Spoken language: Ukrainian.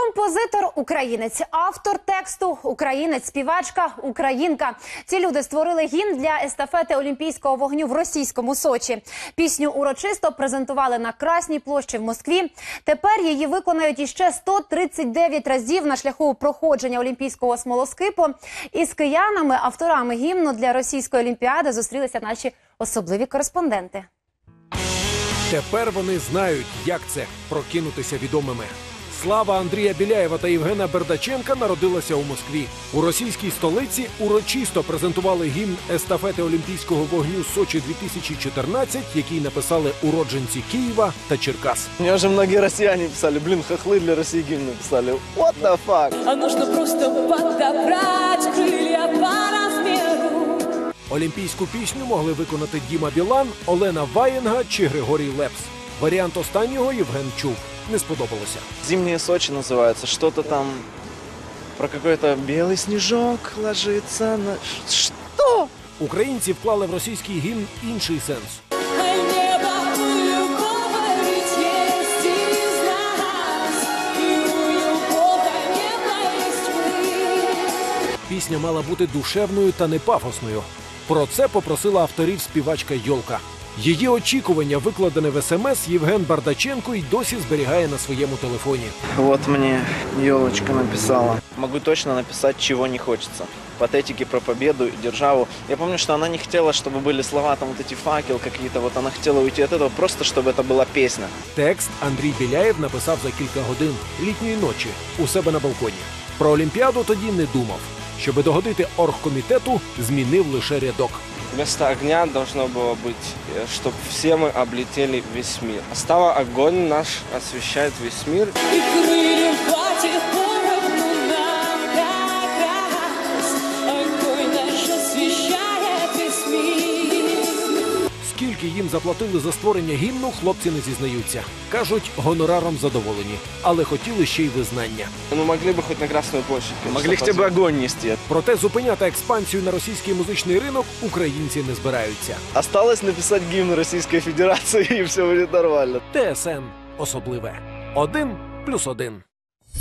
Композитор – українець, автор тексту – українець, співачка – українка. Ці люди створили гімн для естафети Олімпійського вогню в російському Сочі. Пісню урочисто презентували на Красній площі в Москві. Тепер її виконають іще 139 разів на шляху проходження Олімпійського смолоскипу. Із киянами, авторами гімну для російської Олімпіади зустрілися наші особливі кореспонденти. Тепер вони знають, як це – прокинутися відомими. Слава Андрія Біляєва та Євгена Бердаченка народилася у Москві. У російській столиці урочисто презентували гімн естафети Олімпійського вогню Сочі-2014, який написали уродженці Києва та Черкас. Мне уже многие россияне писали, блин, хохлы для России гимн написали. What the fuck? А нужно просто подобрать крылья по размеру. Олімпійську пісню могли виконати Діма Білан, Олена Ваєнга чи Григорій Лепс. Варіант останнього Євген чув. Не сподобалося. Зимние Сочи называется, что-то там про какой-то белый снежок ложится на... Что? Українці вклали в російський гімн інший сенс. А небо у любого ведь есть из нас, и у любого неба есть мы. Пісня мала бути душевною та не пафосною. Про це попросила авторів співачка Йолка. Її очікування, викладене в СМС, Євген Бардаченко й досі зберігає на своєму телефоні. Вот мне елочка написала. Могу точно написать, чего не хочется. Патетики про победу и державу. Я помню, что она не хотела, чтобы были слова, там вот эти факел какие-то. Вот она хотела уйти от этого, просто чтобы это была песня. Текст Андрій Біляєв написав за кілька годин літньої ночі у себе на балконі. Про Олімпіаду тоді не думав. Щоби догодити оргкомітету, змінив лише рядок. Вместо огня должно было быть, чтобы все мы облетели весь мир. Стало огонь наш, освещает весь мир. И крылья хватит поровну нам как раз. Огонь наш освещает весь мир. Скільки їм заплатили за створення гімну, хлопці не зізнаються. Кажуть, гонораром задоволені, але хотіли ще й визнання. Ну, могли бы хоть на Красную площадь. конечно, Могли хотя бы позвать. огонь нести. Проте зупиняти експансію на російський музичний ринок українці не збираються. Осталось написать гимн Российской Федерации, и все будет нормально. ТСН особливе. 1+1.